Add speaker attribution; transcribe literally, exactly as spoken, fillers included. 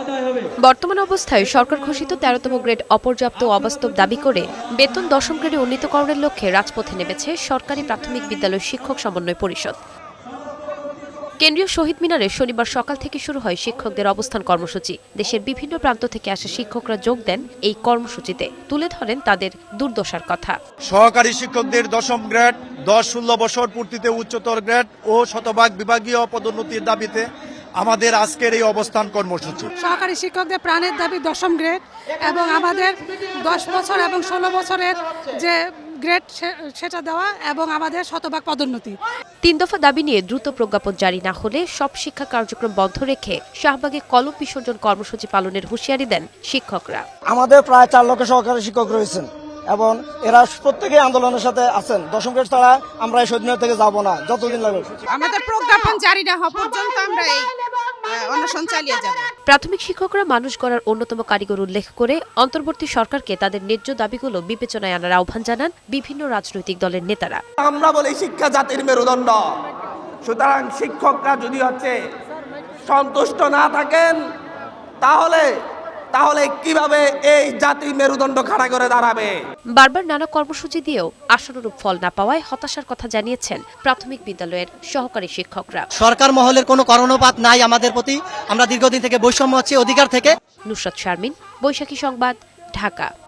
Speaker 1: বর্তমান অবস্থায় সরকার ঘোষিত তেরোতম গ্রেড অপর্যাপ্ত ও অবাস্তব দাবি করে বেতন দশম গ্রেডে উন্নীতকরণের লক্ষ্যে রাজপথে নেমেছে সরকারি প্রাথমিক বিদ্যালয় শিক্ষক সমন্বয় পরিষদ। কেন্দ্রীয় শহীদ মিনারে শনিবার সকাল থেকে শুরু হয় শিক্ষকদের অবস্থান কর্মসূচি। দেশের বিভিন্ন প্রান্ত থেকে আসা শিক্ষকরা যোগ দেন এই কর্মসূচিতে, তুলে ধরেন তাদের দুর্দশার কথা।
Speaker 2: সহকারী শিক্ষকদের দশম গ্রেড, দশ ষোলো বছর পূর্তিতে উচ্চতর গ্রেড ও শতভাগ বিভাগীয় পদোন্নতির দাবিতে আমাদের আজকের এই অবস্থান কর্মসূচি।
Speaker 3: সহকারী শিক্ষকদের প্রাণের দাবি দশম গ্রেড এবং আমাদের দশ বছর এবং ষোলো বছরের যে গ্রেড সেটা দেওয়া এবং আমাদের শতভাগ পদোন্নতি।
Speaker 1: তিন দফা দাবি নিয়ে দ্রুত প্রজ্ঞাপন জারি না হলে সব শিক্ষা কার্যক্রম বন্ধ রেখে শাহবাগে কলম বিসর্জন কর্মসূচি পালনের হুঁশিয়ারি দেন শিক্ষকরা।
Speaker 4: আমাদের প্রায় চার লক্ষ সহকারী শিক্ষক রয়েছেন এবং এরা প্রত্যেকেই আন্দোলনের সাথে আছেন। দশম গ্রেড ছাড়া আমরা এই শহীদ মিনার থেকে যাব না, যতদিন লাগবে।
Speaker 5: আমাদের প্রজ্ঞাপন জারি না হওয়া পর্যন্ত আমরা এই অনশন চালিয়ে যাব।
Speaker 1: প্রাথমিক শিক্ষকরা মানুষ গড়ার অন্যতম কারিগর উল্লেখ করে অন্তর্বর্তী সরকারকে তাদের ন্যায্য দাবিগুলো বিবেচনায় আনার আহ্বান জানান বিভিন্ন রাজনৈতিক দলের নেতারা।
Speaker 6: আমরা বলি শিক্ষা জাতির মেরুদণ্ড, সুতরাং শিক্ষকরা যদি হচ্ছে সন্তুষ্ট না থাকেন তাহলে তাহলে কিভাবে এই জাতি মেরুদণ্ড খাড়া করে দাঁড়াবে?
Speaker 1: বারবার নানা কর্মসূচি দিয়েও আশানুরূপ ফল না পাওয়ায় হতাশার কথা জানিয়েছেন প্রাথমিক বিদ্যালয়ের সহকারী শিক্ষকরা।
Speaker 7: সরকার মহলের কোনো কর্ণপাত নাই আমাদের প্রতি। আমরা দীর্ঘদিন থেকে বৈষম্য হচ্ছে অধিকার থেকে।
Speaker 1: নুসরাত শারমিন, বৈশাখী সংবাদ, ঢাকা।